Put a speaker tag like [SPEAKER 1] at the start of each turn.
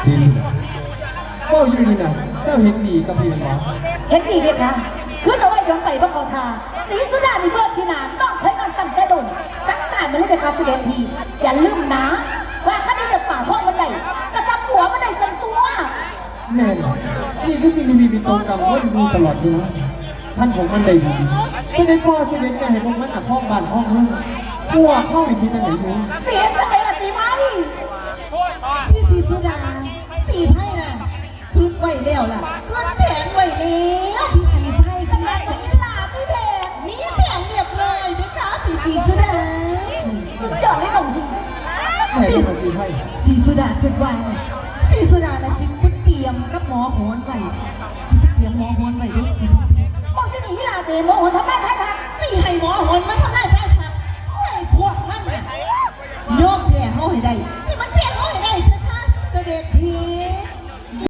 [SPEAKER 1] สีสุดว่าอยู่นี่นะเจ้าเห็นดีกับพี่มันวะ
[SPEAKER 2] เห็นดีไหมคะขึ้นเอาไว้ย้อนไปเมื่อเขาทาสีสุดานี่เมื่อชินานต้องเคยนอนตั้งแต่ดนจัดการมาเลยไหมคะเสด็จพี่อย่าลืมนะว่าข้าที่จะป่าห้องมันใดกระซับหัวมันใดสันตัว
[SPEAKER 1] แน่นอนนี่คือสิ่งที่มีเป็นตัวกรรมว่าดูตลอดเวลาท่านของมันได้ดีเสด็จพ่อเสด็จแม่ให้พวกมันห้องบ้านห้องเมืองพวกเข้าไปสิตั้งไหนอยู่
[SPEAKER 2] เสียจังเลยล่ะสีไม้
[SPEAKER 3] พี่สีสุดาสีไพ่น่ะคืนไหวแล้วล่ะคืนแผงไหวแล้วพี่สีไพ่พี่ไพ่
[SPEAKER 2] หลาพี่เพน
[SPEAKER 3] มีแผงเรียบร้อยไหมคะพี่สีสุดา
[SPEAKER 2] สุดยอดเลยหนุ่มดี
[SPEAKER 3] สีสุดาคืนไหวน่ะสีสุดาน่ะสิไปเตรียมกับหมอโหนไหวสิไปเตรียมหมอโหนไหวด้วย
[SPEAKER 2] บอกจะหนีหลาเสียโมโหทำไมใครทัก
[SPEAKER 3] นี่ให้หมอโหนมาทำไรใคร